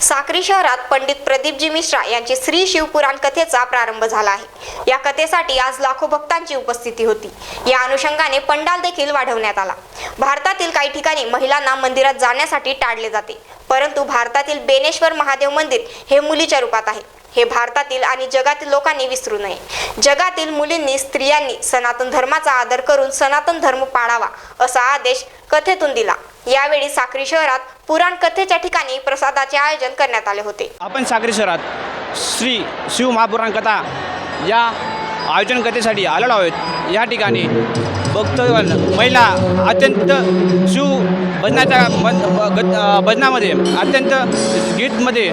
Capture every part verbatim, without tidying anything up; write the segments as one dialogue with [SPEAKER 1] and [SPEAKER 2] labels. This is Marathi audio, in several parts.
[SPEAKER 1] साक्री शहरात पंडित प्रदीपजी मिश्रा यांची श्री शिवपुराण कथेचा प्रारंभ झाला आहे। या कथेसाठी आज लाखो भक्तांची उपस्थिती होती। या अनुषंगाने पंडाल देखील वाढवण्यात आला। भारतातील काही ठिकाणी महिलांना मंदिरात जाण्यासाठी टाळले जाते, परंतु भारतातील बेनेश्वर महादेव मंदिर हे मुलीच्या रूपात आहे। हे भारतातील आणि जगातील लोकांनी विसरू नये। जगातील मुलींनी, स्त्रियांनी सनातन धर्माचा आदर करून सनातन धर्म पाळावा असा आदेश कथेतून दिला। यावेळी साक्री शहरात पुराण कथेच्या ठिकाणी प्रसादाचे आयोजन करण्यात आले होते।
[SPEAKER 2] आपण साक्री शहरात श्री शिव महापुराण कथा या आयोजन कथेसाठी आलेलो आहोत। या ठिकाणी भक्त महिला अत्यंत शिव भजनाच्या भजनामध्ये अत्यंत गीतमध्ये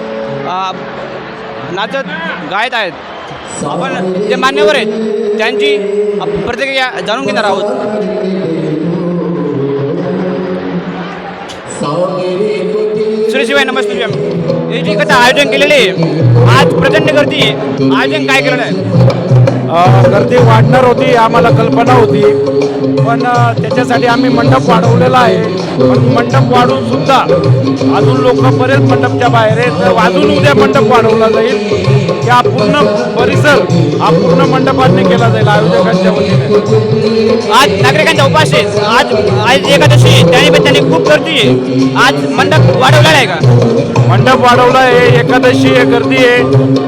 [SPEAKER 2] नाचत गायत आहेत। आपण जे मान्यवर आहेत त्यांची प्रतिक्रिया जाणून घेणार आहोत। श्री शिवाय नमस्ते। याची कथा आयोजन केलेले आज प्रचंड गर्दी आयोजन काय केलेलं आहे?
[SPEAKER 3] गर्दी वाढणार होती, आम्हाला कल्पना होती, पण त्याच्यासाठी आम्ही मंडप वाढवलेला आहे। पण मंडप वाढून सुद्धा अजून लोक बरेच मंडपच्या बाहेर आहेत। अजून उद्या मंडप वाढवला जाईल। या पूर्ण परिसर हा पूर्ण मंडपाने केला जाईल आयोजकांच्या वतीने।
[SPEAKER 2] आज नागरिकांचा उपास आहे। आज आज एकादशी त्यानिमित्ताने खूप गर्दी आहे। आज मंडप वाढवलेला आहे का?
[SPEAKER 3] मंडप वाढवला आहे, एकादशी आहे, गर्दी आहे,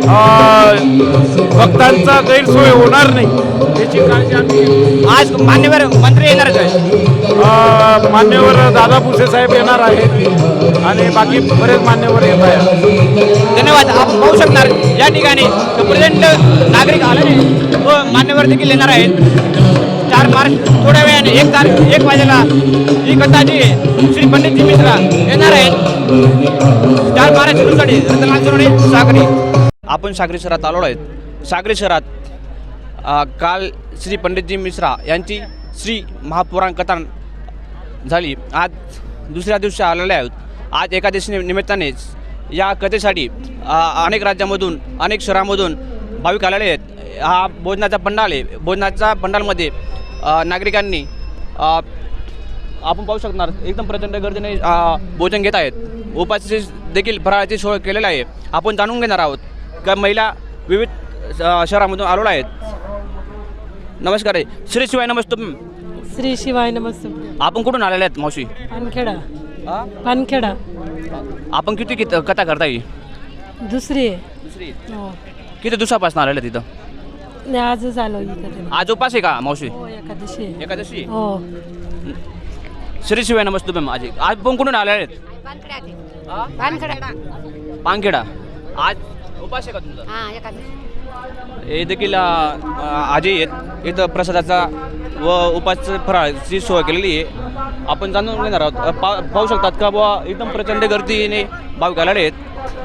[SPEAKER 3] भक्तांचा गैरसोय होणार नाही याची काळजी आम्ही।
[SPEAKER 2] आज मान्यवर मंत्री येणारच आहे।
[SPEAKER 3] मान्यवर दादा भुसे साहेब येणार आहेत आणि बाकी बरेच मान्यवर येत आहेत।
[SPEAKER 2] धन्यवाद। आपण पाहू शकणार या ठिकाणी प्रचंड नागरिक आलेले व मान्यवर देखील येणार आहेत। चार मार्च थोड्या वेळाने एक तारीख एक वाजेला ही कथा जी श्री पंडितजी मिश्रा येणार आहेत। चार मार्च सुरूसाठी रतनलाल सोनवणे, साक्री। आपण साक्री शहरात आलो आहेत। साक्री शहरात काल श्री पंडितजी मिश्रा यांची श्री महापुराण कथा झाली। आज दुसऱ्या दिवशी आलेले आहोत। आज एकादशी निमित्तानेच या कथेसाठी अनेक राज्यामधून अनेक शहरामधून भाविक आलेले आहेत। हा भोजनाचा पंडाल आहे। भोजनाच्या पंडालमध्ये नागरिकांनी आपण पाहू शकणार एकदम प्रचंड गर्दीने भोजन घेत आहेत। उपाशी देखील फराळाची सोय केलेली आहे। आपण जाणून घेणार आहोत का महिला विविध शहरामधून आलेल्या आहेत। नमस्कार आहे। श्री शिवाय नमस्ते।
[SPEAKER 4] श्री शिवाय नमस्ते।
[SPEAKER 2] आपण कुठून आलेले आहेत मावशी?
[SPEAKER 4] पानखेडा। पानखेडा।
[SPEAKER 2] आपण किती किती कथा करताय?
[SPEAKER 4] दुसरी आहे।
[SPEAKER 2] दुसरी।
[SPEAKER 4] हो।
[SPEAKER 2] किती दिवसापासून आलेले तिथं?
[SPEAKER 4] नाही, आजच आलो इकडे।
[SPEAKER 2] आज उपास आहे का मावशी?
[SPEAKER 4] हो, एकादशी आहे।
[SPEAKER 2] एकादशी।
[SPEAKER 4] हो।
[SPEAKER 2] श्री शिवाय नमस्ते मॅम। आज आज पण कुठून आलेले आहेत?
[SPEAKER 1] पानखेडा।
[SPEAKER 2] पानखेडा। आज उपास आहे का तुमचा?
[SPEAKER 1] हां, एकादशी।
[SPEAKER 2] हे देखील आजी आहेत। इथं प्रसादाचा व उपास फराळाची सोय केलेली आहे। आपण जाणून घेणार आहोत। पा पाहू शकतात का बुवा एकदम प्रचंड गर्दीने भाविक आलेले आहेत।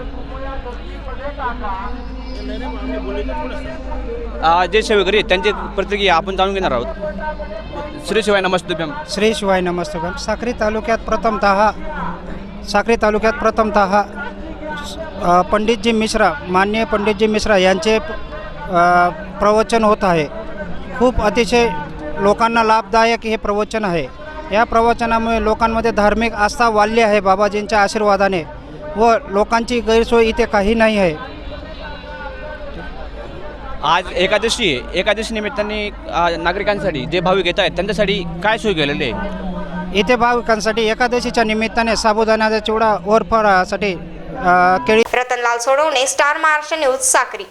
[SPEAKER 2] जे सेवेकरी आहेत त्यांची प्रतिक्रिया आपण जाणून घेणार आहोत। श्री शिवाय नमस्ते मॅम।
[SPEAKER 5] श्री शिवाय नमस्ते मॅम। साक्री तालुक्यात प्रथमतः साक्री तालुक्यात प्रथमतः पंडितजी मिश्रा माननीय पंडितजी मिश्रा यांचे प्रवचन होत आहे। खूप अतिशय लोकांना लाभदायक हे प्रवचन आहे। या प्रवचनामुळे लोकांमध्ये धार्मिक आस्था वाढली आहे बाबाजींच्या आशीर्वादाने व लोकांची गैरसोय इथे काही नाही आहे।
[SPEAKER 2] आज एकादशी आहे। एकादशी निमित्ताने नागरिकांसाठी जे भाविक येत आहेत त्यांच्यासाठी काय सोय केलेली आहे?
[SPEAKER 5] इथे भाविकांसाठी एकादशीच्या निमित्ताने साबुदाण्याचा चिवडा वर फळासाठी केळी।
[SPEAKER 1] Ratanlal Sonawane, star Maharashtra news, Sakri.